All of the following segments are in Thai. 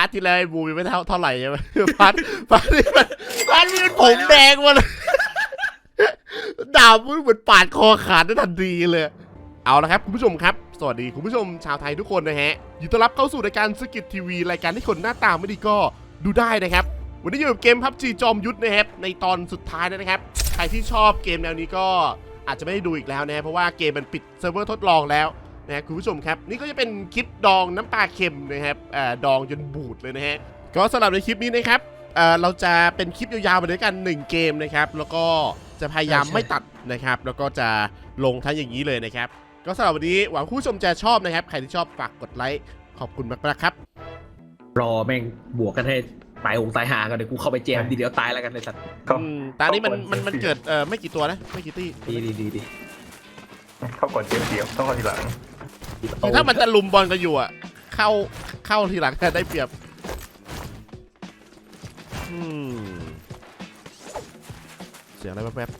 ร์ทที่แล้วไอ้บูยังไม่เท่าไหร่ใช่ไหมพาร์ทนี่มันผมแดงมาเลยดาบมันเหมือนปาดคอขาดได้ทันทีเลยเอาละครับคุณผู้ชมครับสวัสดีคุณผู้ชมชาวไทยทุกคนนะฮะยินดีต้อนรับเข้าสู่รายการสกิททีวีรายการที่คนหน้าตาไม่ดีก็ดูได้นะครับวันนี้อยู่กับเกม PUBG จอมยุทธนะครับในตอนสุดท้ายนะครับใครที่ชอบเกมแนวนี้ก็อาจจะไม่ได้ดูอีกแล้วนะเพราะว่าเกมมันปิดเซิร์ฟเวอร์ทดลองแล้วนะคุณผู้ชมครับนี่ก็จะเป็นคลิปดองน้ำปลาเค็มนะครับดองจนบูดเลยนะฮะก็สำหรับในคลิปนี้นะครับเราจะเป็นคลิปยาวๆไปด้วยกัน1เกมนะครับแล้วก็จะพยายามไม่ตัดนะครับแล้วก็จะลงทั้งอย่างนี้เลยนะครับก็สำหรับวันนี้หวังคุณผู้ชมจะชอบนะครับใครที่ชอบฝากกดไลค์ขอบคุณมากๆครับรอแม่งบวกกันให้ตายหงตายหากันเดี๋ยวกูเข้าไปแจมดีเดียวตายแล้วกันเลยสัตว์ตอนนี้มันเกิดไม่กี่ตัวนะไม่กี่ตี้ดีเข้าก่อนเกมเดียวต้องเข้าทีหลังถ้ามันจะลุมบอลกันอยู่อ่ะเข้าทีหลังได้เปรียบเสียงอะไรแป๊บ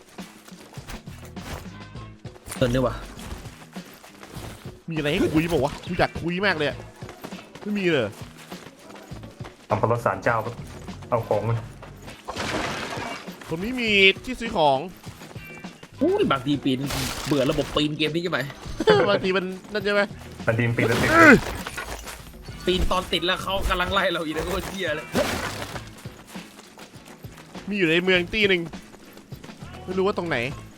เกินด้วยวะมีอะไรให้คุยบอกวะกูอยากคุยมากเลยไม่มีเลยทำพลสารเจ้าเอาของมันคนนี้มีที่ซื้อของบางทีปีนเบื่อระบบปีนเกมนี้ใช่ไหมบางทีมันนั่นใช่ไหมบางทีปีนแล้วติดปีนตอนติดแล้วเขากำลังไล่เราอีกแล้วก็เชี่ยเลยมีอยู่ในเมืองตีหนึ่งไม่รู้ว่าตรงไหน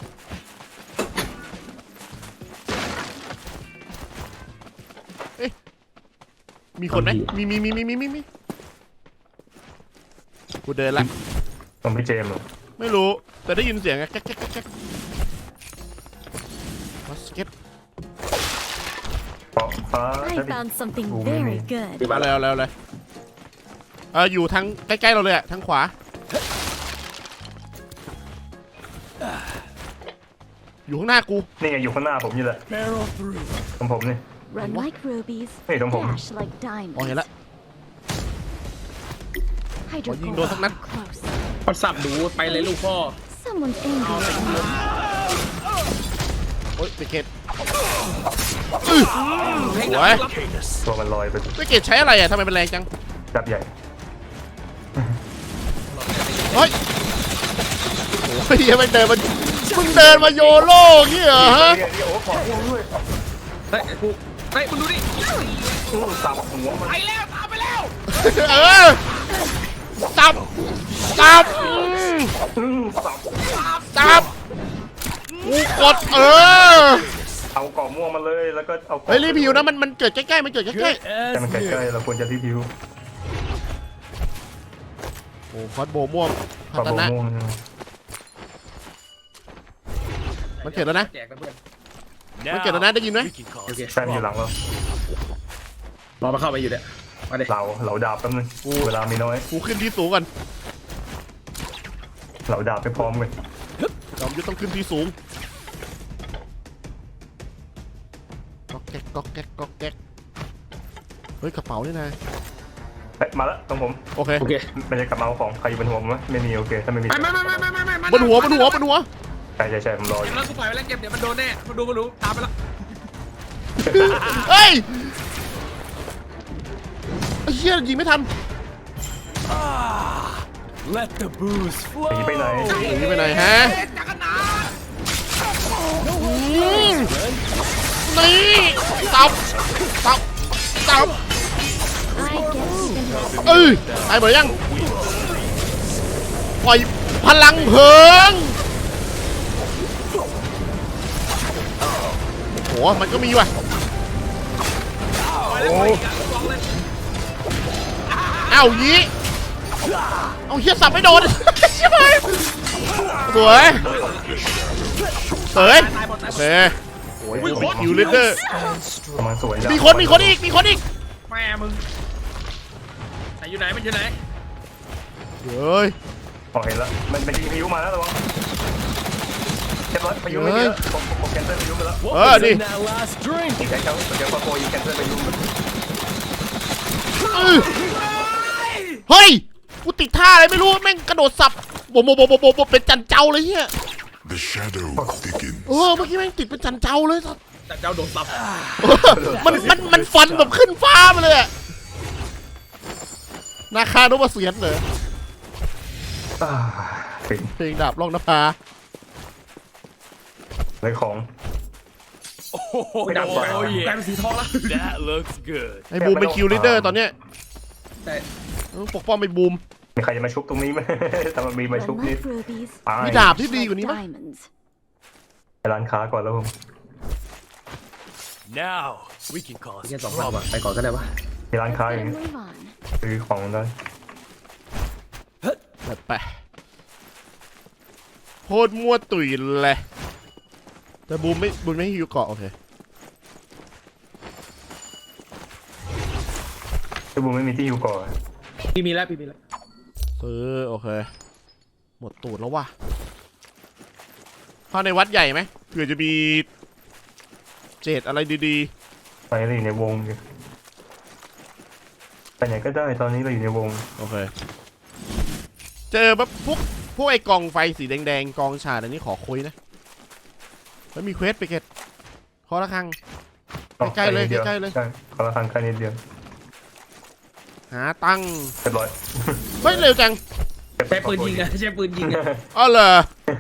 เอ๊ะมีคนไหมมีกูเดินละต้องพี่เจมส์ไม่รู้แต่ได้ยินเสียงแก๊กบาสเก็ต I found something very good มาแล้วเลยอยู่ทางใกล้ๆเราเลยอะทางขวาอยู่ข้างหน้ากูนี่ไงอยู่ข้างหน้าผมนี่แหละตรงผมนี่ Run like rubies ตรงผม dash like diamonds เห็นละยิงโดนสักนัดพอสับดูไปเลยลูกพ่อ Someone's angry โอ๊ยไปเกตสวยตัวมันลอยไปเกตใช้อะไรอะทำไมเป็นแรงจังจับใหญ่เฮ้ยโอ้ยยังไม่เดินมาเดินมาโยโล่งี้เหรอฮะเฮ้ยมึงดูดิสับหัวมันไปแล้วตามไปแล้วสับกูกดเอากรอบม่วงมาเลยแล้วก็เอาเฮ้ยรีวิวนะมันเกิดใกล้ๆมันเกิดใกล้ๆแต่มันใกล้ๆเราควรจะรีวิวโอ้คอสโบม่วงพัฒนะมันเกิดแล้วนะมันเกิดแล้วนะได้ยินไหมแซมอยู่หลังเรารอมาเข้าไปอยู่เนี่ยมาเด็กเหลาดาบแป๊บนึงเวลามีน้อยกูขึ้นที่สูงก่อนเหลาดาบไปพร้อมกันจอมยุทธต้องขึ้นที่สูงก๊อกแก๊กเฮ้ยกระเป๋านี่นะมาแล้วตรงผมโอเคมันจะกลับมาเอาของใครอยู่บนหัวมั้ยไม่มีโอเคถ้าไม่มีบนหัวใช่ผมรออยู่แล้วกูปล่อยไปแล้วเก็บเดี๋ยวมันโดนแน่มันดูตามไปแล้วเฮ้ยไอ้เหี้ยยิงไม่ทัน Let the booze flow หนีไปไหนฮะนี่ตับตายหมดยังปล่อยพลังเพลิงโหมันก็มีว่ะเอายี้เอาเฮียสับไม่โดนใช่ไหมสวยโอ้ยคิวเลเดอร์มีคนอีกแม่มึงไหนอยู่ไหนมันอยู่ไหนเฮ้ยเห็นแล้วมันยิงพายุมาแล้วระวังเรียบร้อยพายุไม่เยอะผมแคนเซิลพายุไปแล้วดิอีกแค่เขาเดี๋ยวพอโกยิงแคนเซิลพายุเฮ้ยกูติดท่าอะไรไม่รู้แม่งกระโดดสับโบเป็นจันเจ้าเลยเฮียเมื่อกี้แม่งติดเป็นจันเจ้าเลยสัตว์จันเจ้าโดนสับมันฟันแบบขึ้นฟ้ามาเลยนาคานพเสียนเหรอถึงเพลงดาบล่องนภาเลยของไม่ดับกลายเป็นสีทองแล้ว That looks good. ไอ้บูมเป็นคิวลีดเดอร์ตอนเนี้ยแต่ต้องปกป้องไอ้บูมมีใครจะมาชุบตรงนี้ไหม แต่มันมีมาชุบนี่ Unlike rubies, ตายมีดาบที่ดีกว่านี้ไหม diamonds. ไปร้านค้าก่อนแล้วผม Now we can cause แค่2,000 trouble. ว่ะไปก่อนก็ได้วะมีร้านค้า Let's อย่าง get นี้ a move on. ซื้อของได้แบบไปโคตรมั่วตุ๋ยเลยแต่บูมไม่ให้ฮิวเกาะโอเคพี่บูมไม่มีที่อยู่ก่อนพี่มีแล้วซื้อโอเคหมดตูดแล้วว่ะเข้าในวัดใหญ่ไหมเผื่อจะมีเจดอะไรดีไปเลยอยู่ในวงอยู่ไปไหนก็ได้ตอนนี้เราอยู่ในวงๆโอเคเจอแบบพวกไอ้กองไฟสีแดงๆกองฉาดอันนี้ขอคุยนะแล้วมีเควสไปเก็ตขอละครัง ใกล้ๆเลยนิดดีวใกล้ๆเลยใช่ขอละครั้งแค่นิดเดียวหาตั้งเรียบร้อยเฮ้ยเร็วจังใช้ปืนยิงอะใช้ปืนยิงอะอ๋อเหรอ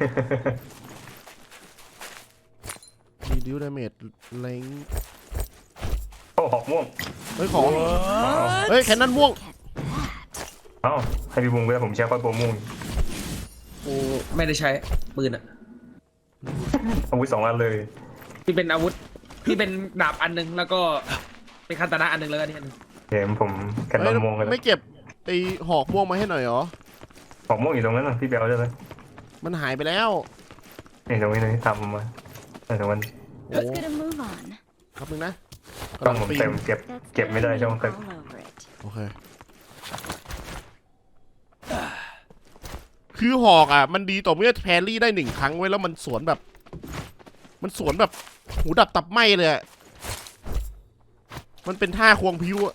มีดิวดาเมจเล็งโอ้หอกม่วงเฮ้ยของเฮ้ยแคนนอนม่วงเอ้าให้พี่บูมก็ได้ผมแชร์คอยโปรม่วงกูไม่ได้ใช้ปืนอะอาวุธ2 อันเลยพี่เป็นอาวุธพี่เป็นดาบอันนึงแล้วก็เป็นคาตานะอันนึงแล้วกันนี่อันนึงเดี๋ยวผมแคนนเฮ้อย นม่วงกันไม่เก็บไอหอกม่วงมาให้หน่อยเหรอหอกม่วงอยู่ตรงนั้นนะพี่เบลได้ไหมมันหายไปแล้วนี่ตรงนี้เลยทำมาแต่มันโอ้ Let's get a move on. ครับนึงนะต้องผมปีนเต็มเก็บ That's เก็บไม่ได้ diamond ช่องเต็ม all over it. โอเค คือหอกอ่ะ มันดีต่อเมื่อแพรรี่ได้1 ครั้งไว้แล้วมันสวนแบบ หูดับตับไหมเลยอะมันเป็นท่าควงพิ้วอะ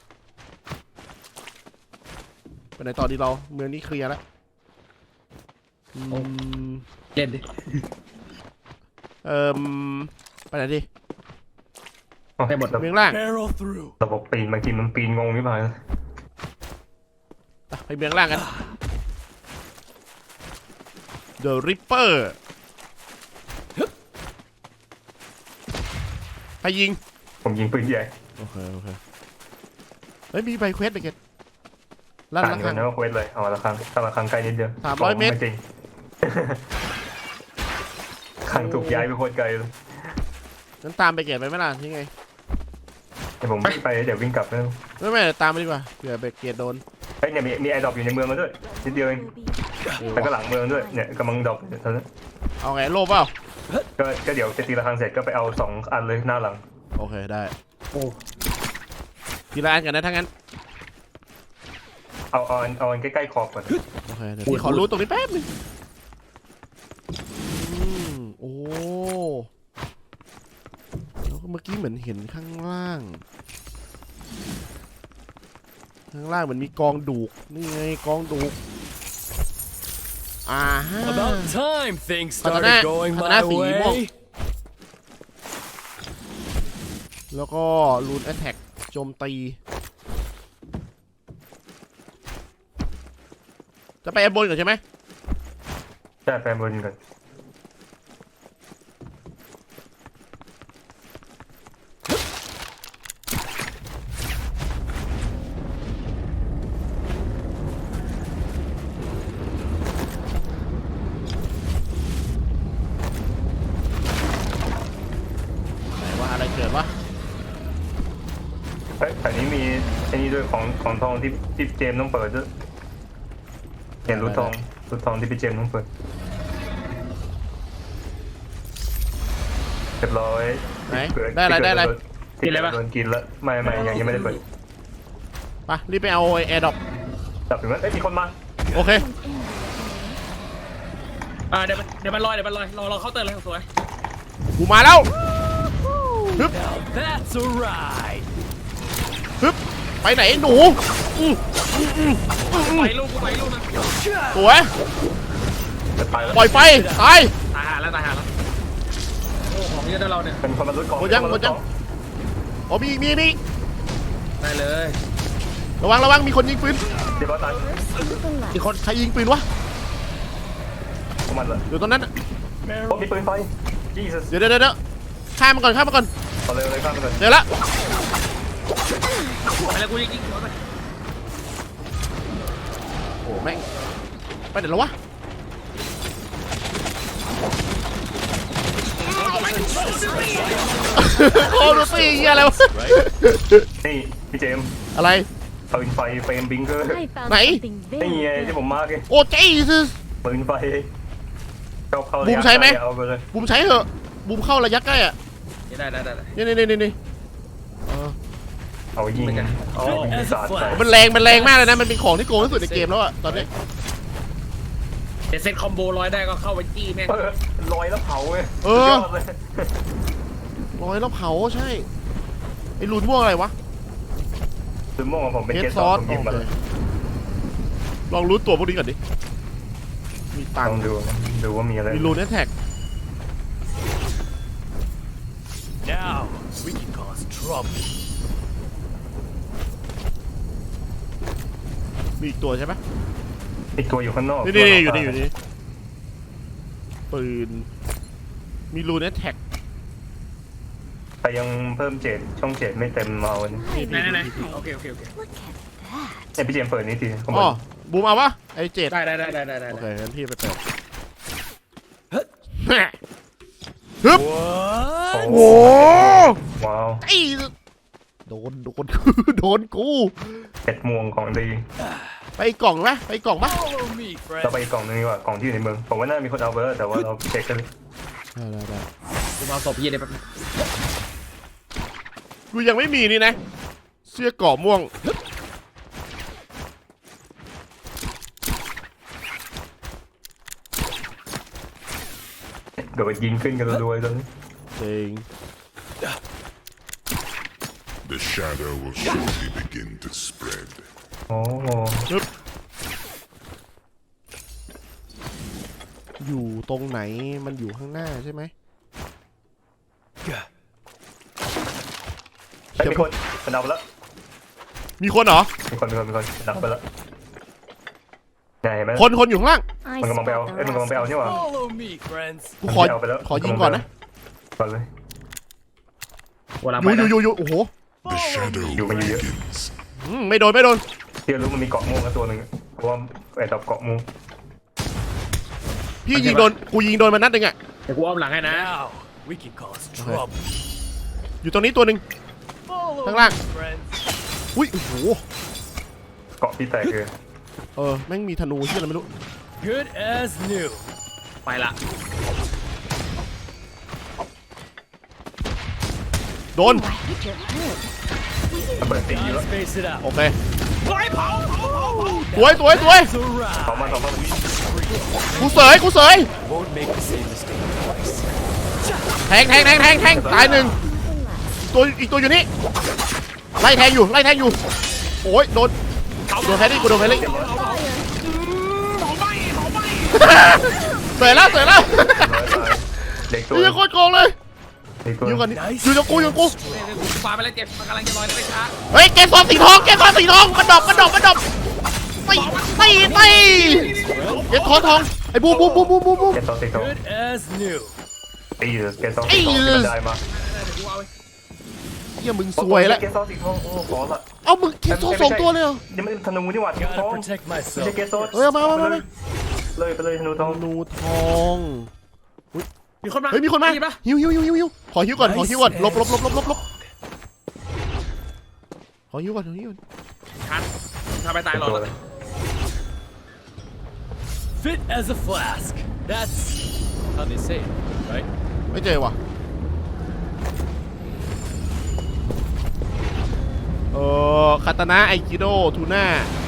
ไปไหนต่อดีเราเมืองนี้เคลียร์แล้วอืมเล่นดิไปไหนดิให้หมดเมืองล่าง Barrel through. ระบบปีนบางทีมันปีนงงนิดหน่อยไปเมืองล่างกัน The Ripper ใครยิงผมยิงปืนใหญ่โอเคเฮ้ยมีใบเควสไปเก็ตลั่นต่างละคกัรั้นงนะว่าเควสเลยเอาละครั้งถ้าละครั้งใกล้นิดเดียว 300 เมตรไจริง ครั้งถูกย้ายไปโคตรไกลเลยงั้นตามไปเก็ตไปไหมล่ะยังไงเดี๋ยวผมวิ่งไปเดี๋ยววิ่งกลับนะไม่ตามไปดีกว่าเผื่อไปเก็ตโดนเฮ้ยเนี่ยมีไอดรอปอยู่ในเมืองมาด้วยนิดเดียวเอง Rubies. แล้วก็หลังเมืองด้วยเนี่ยกำลังดรอปอยู่ตอนนั้นเอาไงโลภเปล่าก็เดี๋ยวจะตีละครั้งเสร็จก็ไปเอา2 อันเลยหน้าหลังโอเคได้โอ้ทีละอันกันนะถ้างั้นเอาอันใกล้ๆขอบก่อนโอเคเดี๋ยวพี่ขอรู้ตรงนี้แป๊บนึงโอ้แล้วก็เมื่อกี้เหมือนเห็นข้างล่างเหมือนมีกองดูกนี่ไงกองดูกฮะ About time things Katana- started going Katana my สีม่วง way. แล้วก็รูนแอตแทกโจมตีจะไปแอบบนก่อนใช่ไหมใช่แฟนบนก่อนไหนว่าอะไรเกิดวะเฮ้ยแต่นี้มีไอ้นี่ด้วยของทองที่เจมส์ต้องเปิดด้วยเห็นรูทองที่พี่เจมส์ต้องเปิดเรียบร้อยไหนเกิดได้อะไรกินอะไรปะโดนกินแล้วไม่ยังไม่ได้เปิดไปรีบไปเอาแอร์ดรอปจับถึงนั้นเอ้ยมีคนมาโอเค Someone's in there. เดี๋ยวมันลอยรอเคาน์เตอร์เลยสวยกูมาแล้ว Now that's a ride. ฮึบไปไหนหนูอื้อไปลูกกูไปลูกนะสวยจะตายแล้วปล่อยไฟตายตายหาแล้วโอ้ของเยอะนะเราเนี่ยเป็นคนมาลุ้นของหมดยัง อ๋อมีได้เลยระวังระวังมีคนยิงปืนเดี๋ยวบอสตาย To the left. มีคนใครยิงปืนวะประมาณละอยู่ตรงนั้นน่ะโอ้มีปืนไฟ Jesus เดี๋ยวข้ามมาก่อนเอาเลยข้ามไปเลยเดี๋ยวละไปแล้วกูยิงหัวไปโอ้แม่งไปเดี๋ยวแล้ววะโอ้ดูสิเหี้ยอะไรวะนี่พี่เจมส์อะไรปืนไฟเฟรมบิงเกอร์ I found Này. something นี่ very ไงที่ good. ผมมาร์กไงโอ้เจ๊ซึปืนไฟเข้าบูมใช้ไหมเอาไปเลยบูมใช้เหอะบูมเข้าระยะใกล้อ่ะได้นี่เออเอายิงอ๋อมีศาสตร์ใส่มันแรงมากเลยนะมันเป็นของที่โกงที่สุดในเกมแล้วอ่ะตอนนี้เดี๋ยวเซ็ตคอมโบร้อยได้ก็เข้าไปจี้แม่งลอยแล้วเผาไงเออสุดยดเลยร้อยแล้วเผาใช่ไอ้รูนม่วงอะไรวะคือม่วงของผมเป็นเฮดเกสซซออสสผมหยิบมาเลยลองรู้ตัวพวกนี้ก่อนดิมีตังลองค์ดูว่ามีอะไรมีรูนแท็ก Now we can cause trouble. มีอีกตัวใช่ไหมอีกตัวอยู่ข้างนอกนี่อยู่นี่ปืนมีรูนแท็กแต่ยังเพิ่มเจดช่องเจดไม่เต็มเอาอันนี้ไหนโอเค Look at that. เนี่ยพี่เจมส์เปิดนี้ทีผมอ๋อบูมเอาวะไอ้เจ็ดได้โอเคงั้นพี่ไปเปิด Huh? ฮึบ What? โอ้ว้าวไอ้โดน โดนกูเห็ดม่วงของดีไปกล่องปะ Follow me, เรา friend. ไปอีกกล่องนึงดีกว่ากล่องที่อยู่ในเมืองผมว่าน่ามีคนเอาไปแล้วแต่ว่าเราเช็คกันเลยได้กูมาศพยี่ได้แป๊บนึงกูยังไม่มีนี่นะ เสื้อเกราะม่วงเดี๋ยวไปยิงขึ้นกันรัวๆตอนนี้จริง The shadow will surely begin to spread. โอ้อยู่ตรงไหนมันอยู่ข้างหน้าใช่ไหมไอ้ยมีคนมันเอาไปแล้วมีคนเหรอมีคนดับไปแล้วเนี่ยเห็นไหมคนอยู่ข้างล่าง I มันกำลังไปเอา spot the เอ้ยมันกำลังไปเอา rest. นี่หว่า Follow me, friends. กูขอเอาไปแล้วขอยิงก่อนนะก่อนเลยเวลาอไปนะยู่โอ้โห The shadow You may hear. begins. ไม่โดนที่รู้มันมีเกาะม่วงแล้วตัวหนึ่งเพราะว่าไอ้ดอกเกาะม่วงพี่ยิงโดน กูยิงโดนมานัดหนึ่งอ่ะเดี๋ยวกูอ้อมหลังให้นะ Now we can cause trouble. อยู่ตรงนี้ตัวหนึ่ง Follow Thằng Lan. me, friends. อุ้ยโอ้โหเกาะที่แตกเลยแม่งมีธนูที่อะไรไม่รู้ Good as new. ไปละโดน Oh, I hit your head. มันเปิดตีอยู่แล้ว Time space it โอ out. เคเฮ้ยเผาสวย That's a เผามา ride. กูเสย Won't make the same mistake twice. แทงตายหนึ่ง To the left. อีกตัวอยู่นี่ไล่แทงอยู่โอ้ยโดนแพรี่กูโดนแพรี่ Fire. เสยแล้วเด็กตัวนี่โคตรโกงเลยเด็กตัวอยู่ก่อนนี่อยู่กับกูกูปาไปแล้วเจ็บมันกำลังจะลอยได้ไม่ช้าเฮ้ยแกซอนสีทองมันดอกตีเกสทองไอ้บูมเกสซอสสีทอง Good as new. ตีเกสซอสสีทองที่มันได้มากูเอาไปเฮียมึงสวยแล้วเกสซอสสีทองโอ้ขอละเอามึงเกสซอนสองตัวเลยเหรอยังไม่ธนูนี่หว่าธนูท Gotta อง protect ไม่ myself. ใช่เกสซอสเฮ้ยเอามาเลยไปเลยธนูทองธนูทองมีคนมาเฮ้ยมีคนมาได้ยิปะหิวขอหิวก่อนลบขอหิวก่อนทันทำไปตายหรอตัวเลย Fit as a flask. That's how they say it, right? ไม่เจอว่ะคาตานะไอคิโดทูน่า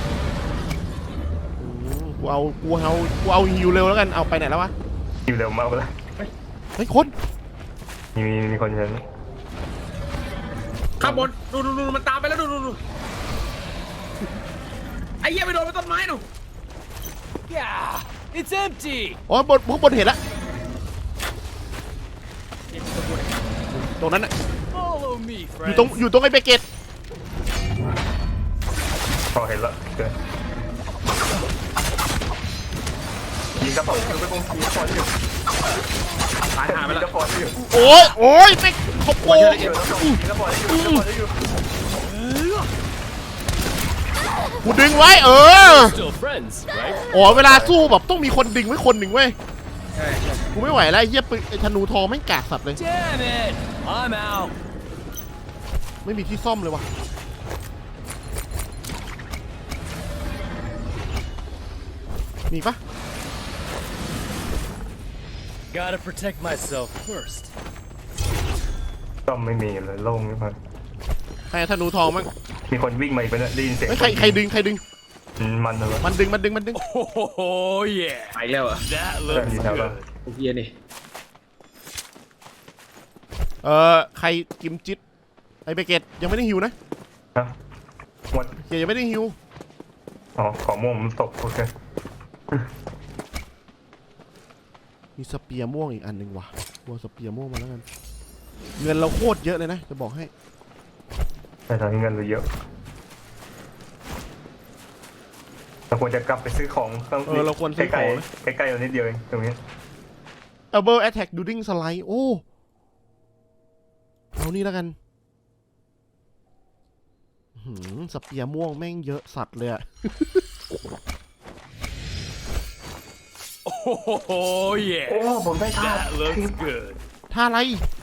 กูเอาฮิวเร็วแล้วกันเอาไปไหนแล้ววะอยู่เร็วมากเลยเฮ้ยคนมีคนเห็นข้างบนดูมันตามไปแล้วดูไอ้เหี้ยไปโดนต้นไม้หนู Yeah, it's empty. อ๋อบนเห็นละตรงนั้นน่ะ Follow me, อยู่ friends. ตรงไอ้เบเกตเห็นละเกินยิงกระป๋องคือไปกงยิงกระป๋องอยู่ตายหาไปยิงแล้กวระป๋องอยู่โอ้ยโอ้ยไม่เขาโกงยิงกระป๋องยิงกระป๋องอยู่ยิงกระป๋องอยู่กูดึงไว้ Still friends, right? อ๋อเวลาสู้แบบต้องมีคนดึงไว้คนหนึ่งเว้ยใช่กูไม่ไหวแล้วไอ้เหี้ยปืนไอ้ธนูทองไม่งกากสัตว์เลย Damn it! I'm out. ไม่มีที่ซ่อมเลยวะมีปะ Gotta protect myself first. ก็ไม่มีเลยโล่งนี่มันใครธนูทองมั้งมีคนวิ่งมาอีกไปเนี่ยได้ยินเสียงเฮ้ยใครดึงมันเลยมันดึง Oh yeah. ไปแล้วอ่ะ That looks good. ไอ้เฮียนี่ใครกิมจิตไอเบเกตยังไม่ได้ฮิวนะฮะวัดเกตยังไม่ได้ฮิวอ๋อของม่วงมันตกโอเคมีสเปียร์ม่วงอีกอันหนึ่งว่ะวัวสเปียร์ม่วงมาแล้วกันเงินเราโคตรเยอะเลยนะจะบอกให้แต่ตอนนี้เงินเราเยอะเราควรจะกลับไปซื้อของข้างเราควรซื้อของนะใกล้ๆเรานิดเดียวเองตรงนี้ Double Attack During Slide โอ้เอานี่แล้วกันสเปียร์ม่วงแม่งเยอะสัตว์เลยอะ Oh yeah. โอ้ผมได้ท่า That looks good. ท่าอะไร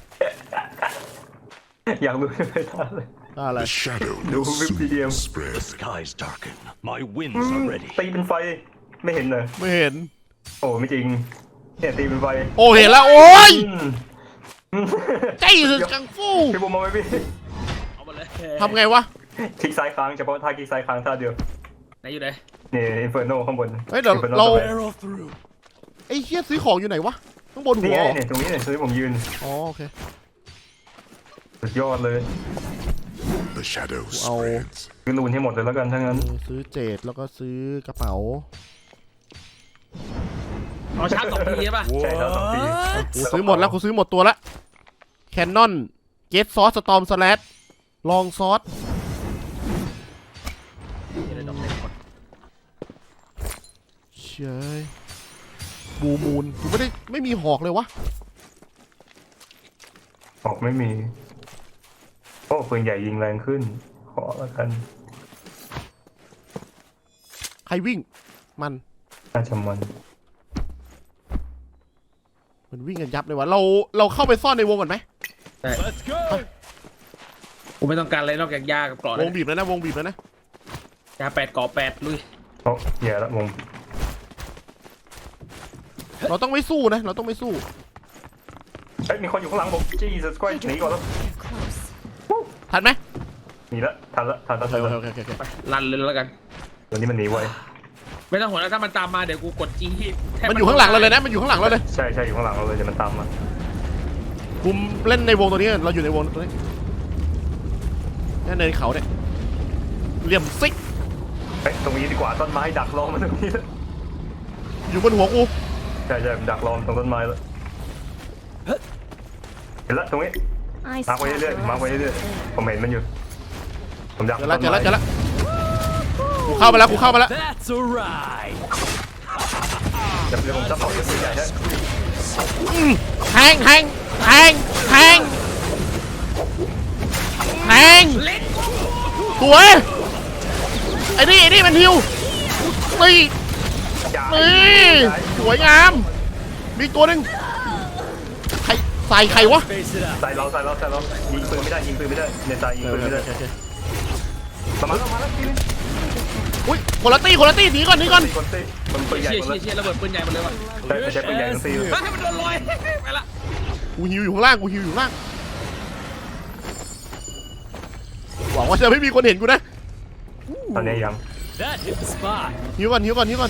อยากรู้ได้ท่าเลยท่าอะไร The shadow No, will soon PDM. spread. The skies darken. My winds are ready. ตีเป็นไฟไม่เห็นเลยไม่เห็นโอ้ไม่จริงเนี่ยตีเป็นไฟโอ้เห็นแล้วโอ้ยอืมใจสุดกังฟูพี่บุ๋มมาไหมพี่เอามาเลยทำไงวะคลิกซ้ายค้างเฉพาะท่าคลิกซ้ายค้างท่าเดียวไหนอยู่ไหนนี่อินเฟอร์โนข้างบนเฮ้ยเดี๋ยว Inferno เราสบย Barrel through. ไอ้เฮียซื้อของอยู่ไหนวะข้างบนหันี่วไงเหรอเนี่ยตรงนี้เนี่ยซื้อผมยืนอ๋อโอเคสุดยอดเลย The shadow Wow. spreads. ซื้อรูนให้หมดเลยแล้วกันถ้างั้นซื้อเจดแล้วก็ซื้อกระเป๋าเอาชาร์จ2 ทีใช่ป่ะใช่ครับ2 ปีกูซื้อหมดแล้วกูซื้อหมดตัวละแคนนอนเกตซอสสตอมสแลชลองซอสเดี๋ยวดอกเล็กก่อนเชยบูมูนกูไม่มีหอกเลยวะออกไม่มี โอ้ปืนใหญ่ยิงแรงขึ้น ขอแล้วกันใครวิ่งมันน่าจะมันวิ่งกันยับเลยวะเราเข้าไปซ่อนในวงก่อนไหม Let's go. กูไม่ต้องการอะไรนอกจากยากับกรอดวงบีบแล้วนะวงบีบแล้วนะยา8 กรอบ 8 ลุยโอ้แย่ละวงเราต้องไม่สู้นะเราต้องไม่สู้เฮ้ยมีคนอยู่ข้างหลังผม Jesus Christ หนีก่อนแล้ว They're close. ทันไหมหนีละทันละทันละโอทันละเคไปรันเลยแล้วกันวันนี้มันหนีไวไม่ต้องห่วงแล้วถ้ามันตามมาเดี๋ยวกูกดจีแทบมันอยู่ข้างหลังเราเลยนะมันอยู่ข้างหลังเราเลยใช่ใช่อยู่ข้างหลังเราเลยเดี๋ยวมันตามมาคุมเล่นในวงตัวนี้เราอยู่ในวงตัวนี้นี่เนินเขาเนี่ยเหลี่ยมซิกเฮ้ยตรงนี้ดีกว่าต้นไม้ดักรอมันตรงนี้อยู่บนหัวกูใช่ใช่ดักรอตรงต้นไม้แล้วเห็นละตรงนี้ I มาร์คไว้เรื่อยๆมาร์คไว้เรื่อยๆผมเห็นมันอยู่ผมดักเจอแล้วกูเข้ามาแล้ว That's a ride. เดี๋ยวผมจะเผาจะซื้อใหญ่ให้แทงสวยไอ้นี่มันฮิวนี่อย่านี่สวยงามมีตัวหนึ่งใครใส่ใครวะ Face it up. ใส่เรายิงปืนไม่ได้ในใจยิงปืนไม่ได้โอเคประมาณทีนึงอุ้ยคนละตี้หนีก่อนตีคนตีมันปืนใหญ่เชี่ยหมดเลยเชี่ยระเบิดปืนใหญ่หมดเลยว่ะใช้ปืนใหญ่ทั้งตีเลยเฮ้ยให้มันโดนลอยไปละกูฮิวอยู่ข้างล่างหวังว่าจะไม่มีคนเห็นกูนะตอนนี้ยัง That hit the spot. ฮิวก่อน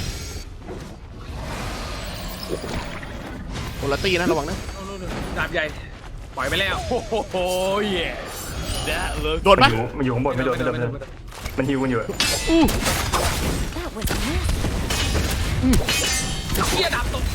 คนละตี้นะระวังนะดาบใหญ่ปล่อยไปแล้ว Oh yeah. That looks โดนปะมันอยู่ข้างบนไม่โดนมันฮิวกันอยู่ That was a miss. เชี่ยดาบตก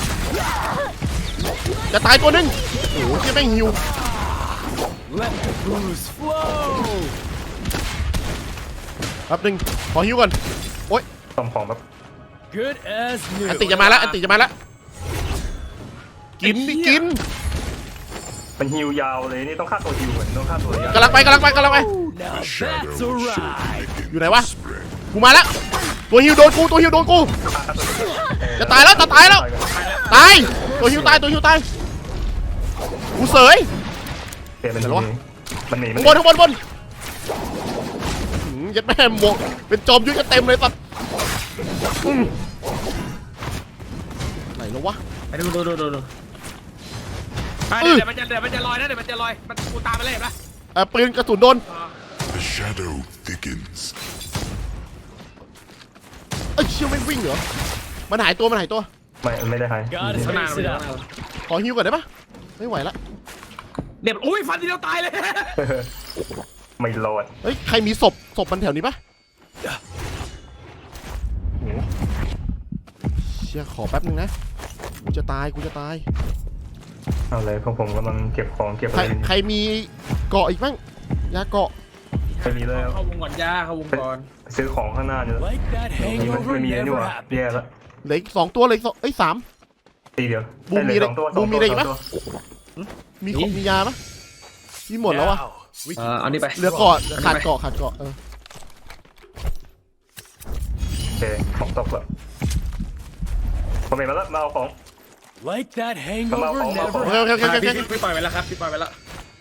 จะตายตัวหนึงโอ้โหแม่งฮิว Let the booze flow. แป๊บนึงขอฮิวก่อนซ่อมของแบบ Good as new. อันติจะมาแล้วอันติจะมาแล้วกินดิกินมันฮิวยาวเลยนี่ต้องฆ่าตัวฮิวเหมือนต้องฆ่าตัวยาวกำลังไป Now The that's a shadow will ride. shortly begin อยู่ไหนวะ to spread. กูมาแล้วตัวฮิวโดนกูตัวฮิวโดนกูฆ่าตัวฮิวจะตายแล้วจะตายแล้ว ตายตัวฮิวตายตัวฮิวตายกูเสยเปลี่ยนเป็นเดี๋ยววะมันหนีข้างบนข้างบนบนยัดแม่หมวกเป็นจอมยุทธกันเต็มเลยสัตว์ไหนแล้ววะไปดูเดี๋ยวมันจะลอยนะเดี๋ยวมันจะลอยมันกูตามไปเลยเห็นปะปืนกระสุนโดน The shadow thickens. เอ้ยเชี่ยไม่วิ่งเหรอมันหายตัวมันหายตัวไม่ได้หาย Gotta ข้างหน้า space มัน it อยู่ out. ข้างหน้าขอฮิวก่อนได้ปะไม่ไหวละเดี๋ยวอุ้ยฟันทีเดียวตายเลยไม่รอดเฮ้ยใครมีศพมันแถวนี้ปะโอ้โหเชี่ยขอแป๊บนึงนะกูจะตายเอาเลยพวกผมกำลังเก็บของเก็บอะใครไรอยู่ใครมีเกาะอีกบ้างยาเกาะไม่มีแล้วเข้าวงก่อนย่าเข้าวงก่อนไปซื้อของข้างหน้าเนี่ย Like that นี่มัน hangover ไม่มีแล้วนี่ never หว่า happened. แย่ละเหลืออีก2 ตัวเหลยสามตีเดียวบูมมีอะไรด้เหลือสองตัวบูมมีอะไรอีกปะสงตัวมีของมียาปะมีหมดแล้วอะ Now, we เอานี่ไปเหลือเกาะขาดเกาะโเอออเคของตกแล้วผมเห็นมาแล้วมาเอาของ like that hangover Come on, never โอเค happened. พี่ปล่อยไปแล้วครับพี่ปล่อยไปแล้ว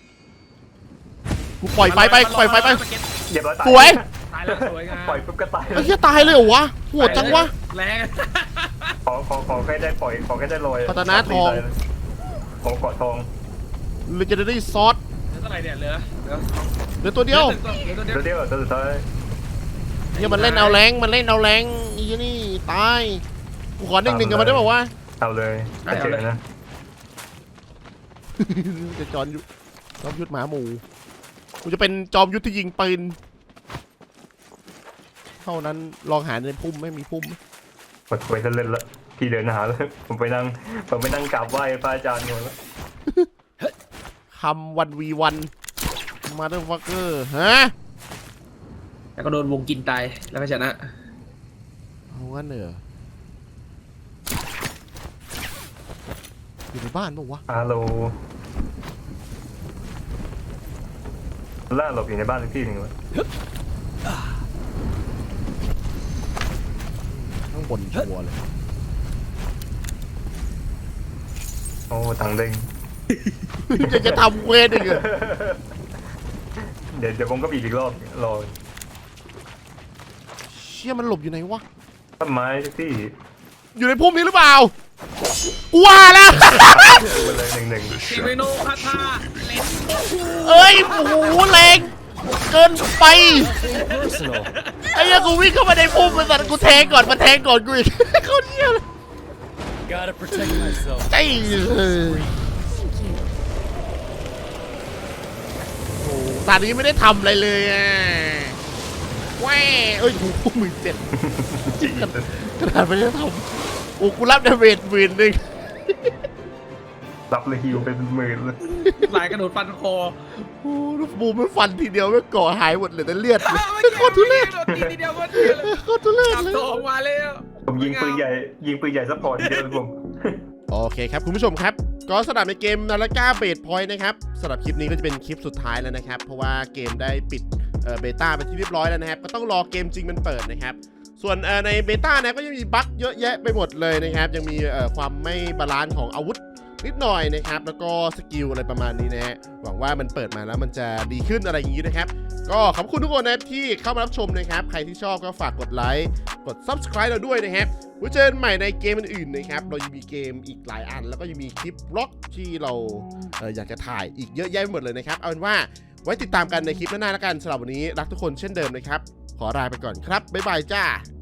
กูปล่อยไฟไปเรียบร้อยตายสวยตายแล้วสวยงามปล่อยปุ๊บก็ตายไอ้เหี้ยตายเลยเหรอวะโหดจังวะแรงขอแค่ได้ปล่อยขอแค่ได้ลอยพัฒนาทองของเกาะทองเลเจนดารี่ซอสเหลือเท่าไหร่เนี่ยเหลือเหลือตัวเดียวเดี๋ยวตัวสุดท้ายเนี่ยมันเล่นเอาแรงอีนี่ตายกูขอ1-1กันมาได้ป่าววะเอาเลยไม่เจอนะจะจอมยุทธหมาหมูกูจะเป็นจอมยุทธที่ยิงปืนเท่านั้นลองหาในพุ่มไม่มีพุ่มหมดคุยจะเล่นละพี่เดินหาเลยผมไปนั่งกราบไหว้พระอาจารย์ก่อนแล้วคำ1v1 มาเดอร์ฟักเกอร์ฮะแล้วก็โดนวงกินตายแล้วก็ชนะเอางั้นเหรออยู่ในบ้านป่าวะฮัลโหลล่าหลบอยู่ในบ้านสักที่หนึ่งเลยข้างบนชัวร์เลยโอ้ตังเด้งจะทำเวทอีกเหรอเดี๋ยวผมก็บีบอีกรอบรอเชี่ยมันหลบอยู่ไหนวะต้นไม้สักที่อยู่ในพุ่มนี้หรือเปล่ากูว่าแล้วไปเลยหนึ่ง The เซเวโน shadow คาถาเล่นเอ้ยโอ้โหแรงเกินไป Personal. ไอ้เหี้ยังกูวิ่งเข้ามาในพุ่มมันสัตว์กูแทงก่อนกูอีก เขาเที่ยเลย Gotta protect myself. ไอ้ตอนนี้ไม่ได้ทำอะไรเลยอ่ะแหว่เอ้ยโอ้โห17,000ขนาดไม่ได้ทำโอ้กูรับดาเมจ10,000 รับเลยฮิวเป็นหมื่นเลยหลายกระโดดฟันคอโอ้ลูกบูมไม่ฟันทีเดียวไม่ก่อหายหมดเลยแต่เลือดเลยโคตรทุเรศโดนทีเดียวก็เดียวเลยโคตรทุเรศจับเลยตัวออกมาแล้วผมยิงปืนใหญ่ซัพพอร์ตทีเดียวเลยผมโอเคครับคุณผู้ชมครับก็สำหรับในเกมนาฬิกาเบสพอยต์นะครับสำหรับคลิปนี้ก็จะเป็นคลิปสุดท้ายแล้วนะครับเพราะว่าเกมได้ปิดเบต้าไปที่เรียบร้อยแล้วนะครับก็ต้องรอเกมจริงมันเปิดนะครับส่วนในเบต้านะก็ยังมีบั๊กเยอะแยะไปหมดเลยนะครับยังมีความไม่บาลานซ์ของอาวุธนิดหน่อยนะครับแล้วก็สกิลอะไรประมาณนี้นะฮะหวังว่ามันเปิดมาแล้วมันจะดีขึ้นอะไรอย่างนี้นะครับก็ขอบคุณทุกคนนะครับที่เข้ามารับชมนะครับใครที่ชอบก็ฝากกดไลค์กด Subscribe เราด้วยนะครับไว้เจอกันใหม่ในเกมอื่นๆนะครับเรายังมีเกมอีกหลายอันแล้วก็ยังมีคลิปบล็อกที่เราอยากจะถ่ายอีกเยอะแยะไปหมดเลยนะครับเอาเป็นว่าไว้ติดตามกันในคลิปหน้าๆแล้วกันสำหรับวันนี้รักทุกคนเช่นเดิมนะครับขอลาไปก่อนครับบ๊ายบายจ้า